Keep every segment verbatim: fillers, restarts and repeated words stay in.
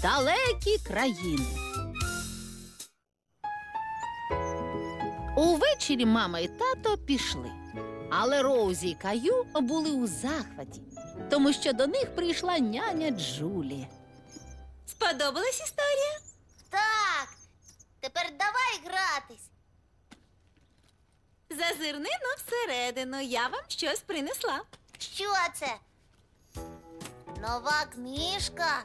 Далекі країни. Увечері мама і тато пішли. Але Роузі і Каю були у захваті, тому що до них прийшла няня Джулі. Сподобалась історія? Так, тепер давай гратись. Зазирни но всередину, я вам щось принесла. Що це? Нова книжка?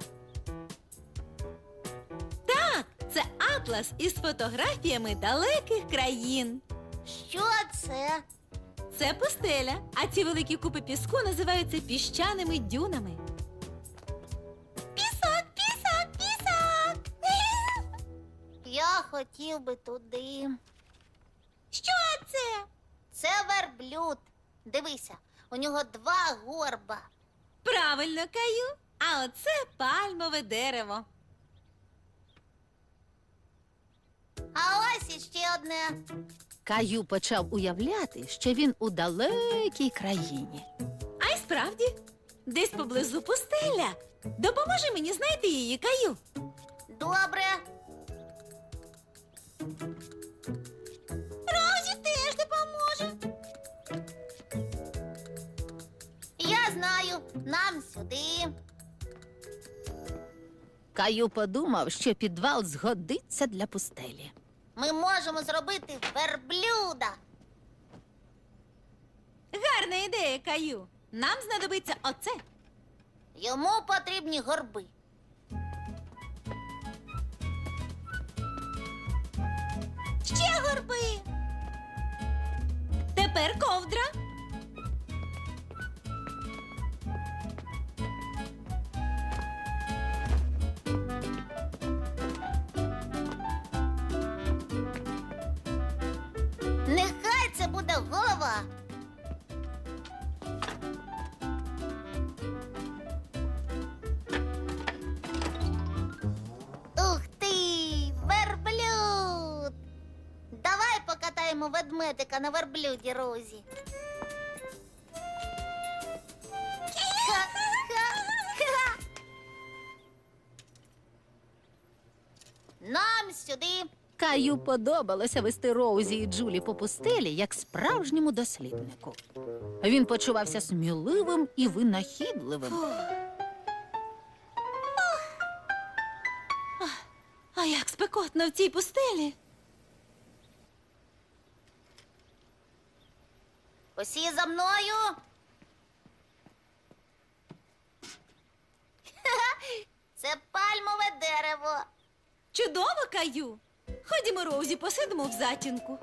Так, це атлас із фотографіями далеких країн. Що це? Це пустеля, а ці великі купи піску називаються піщаними дюнами. Пісок, пісок, пісок! Я хотів би туди. Що це? Це верблюд. Дивися, у нього два горба. Правильно, Каю. А оце пальмове дерево. А ось іще одне. Каю почав уявляти, що він у далекій країні. А й справді, десь поблизу пустеля. Допоможи мені знайти її, Каю. Добре. Розі теж допоможе. Я знаю, нам сюди. Каю подумав, що підвал згодиться для пустелі. Ми можемо зробити верблюда. Гарна ідея, Каю. Нам знадобиться оце. Йому потрібні горби. Ще горби. Тепер ковдра. Нехай це буде голова. Ух ти, верблюд! Давай покатаємо ведмедика на верблюді, Розі. Ха-ха-ха. Нам сюди. Каю подобалося вести Роузі і Джулі по пустелі, як справжньому досліднику. Він почувався сміливим і винахідливим. А як спекотно в цій пустелі. Усі за мною. Ха-ха, це пальмове дерево. Чудово, Каю. Ходімо, Роузі, посидимо в затінку.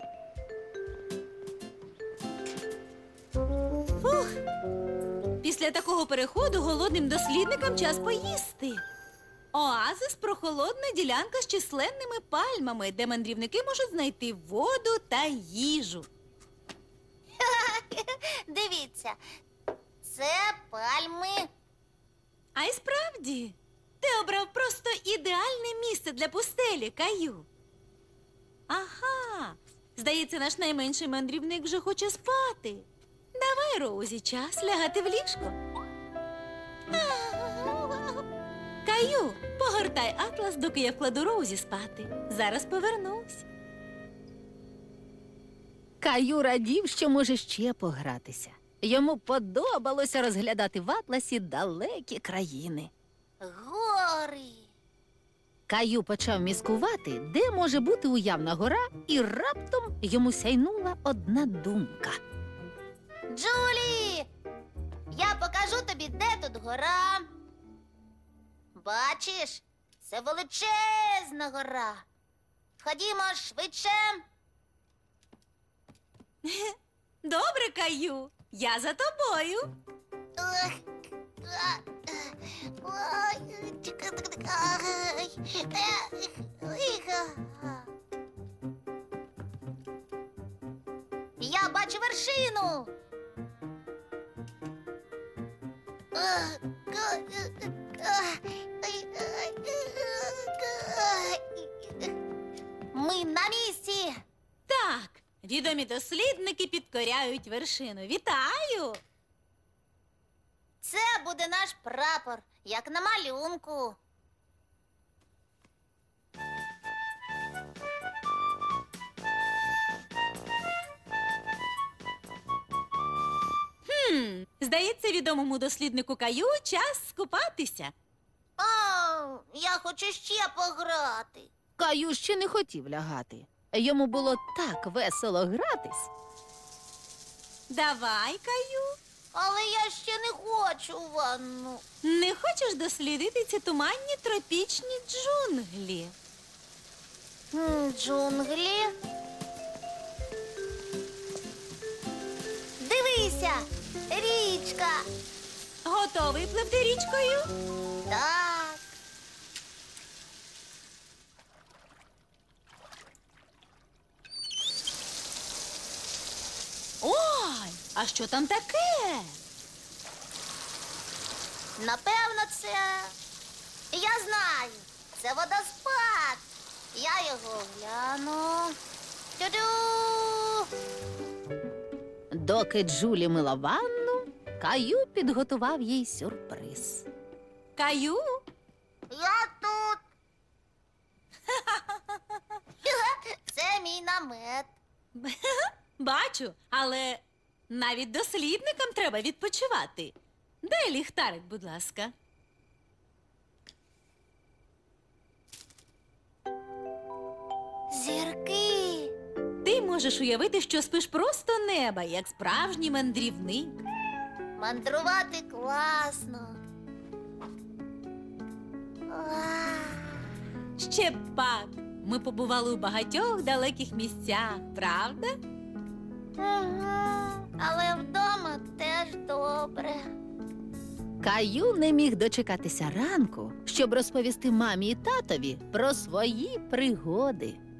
Фух. Після такого переходу голодним дослідникам час поїсти. Оазис – прохолодна ділянка з численними пальмами, де мандрівники можуть знайти воду та їжу. Дивіться, це пальми. А й справді, ти обрав просто ідеальне місце для пустелі, Каю. Ага, здається, наш найменший мандрівник вже хоче спати. Давай, Роузі, час лягати в ліжко. Каю, погортай атлас, доки я вкладу Роузі спати. Зараз повернусь. Каю радів, що може ще погратися. Йому подобалося розглядати в атласі далекі країни. Гори. Каю почав міскувати, де може бути уявна гора, і раптом йому сяйнула одна думка. Джулі, я покажу тобі, де тут гора. Бачиш, це величезна гора. Ходімо швидше. Добре, Каю, я за тобою. Ой, а, ой, ай, е, ой, а. Я бачу вершину. Ми на місці. Так, відомі дослідники підкоряють вершину. Вітаю! Це буде наш прапор, як на малюнку. Хм, здається, відомому досліднику Каю час скупатися. А, я хочу ще пограти. Каю ще не хотів лягати. Йому було так весело гратись. Давай, Каю. Але я ще не хочу ванну. Не хочеш дослідити ці туманні тропічні джунглі? М, Джунглі. Дивися, річка. Готовий пливти річкою? Так. Ой, а що там таке? Напевно, це. Я знаю. Це водоспад. Я його гляну. Тю-дю! Доки Джулі мила ванну, Каю підготував їй сюрприз. Каю? Я тут. Це мій намет. Бачу, але навіть дослідникам треба відпочивати. Дай ліхтарик, будь ласка. Зірки. Ти можеш уявити, що спиш просто неба, як справжній мандрівник. Мандрувати класно. Ва. Ще б пак. Ми побували у багатьох далеких місцях, правда? Ага. Але вдома теж добре. Каю не міг дочекатися ранку, щоб розповісти мамі і татові про свої пригоди.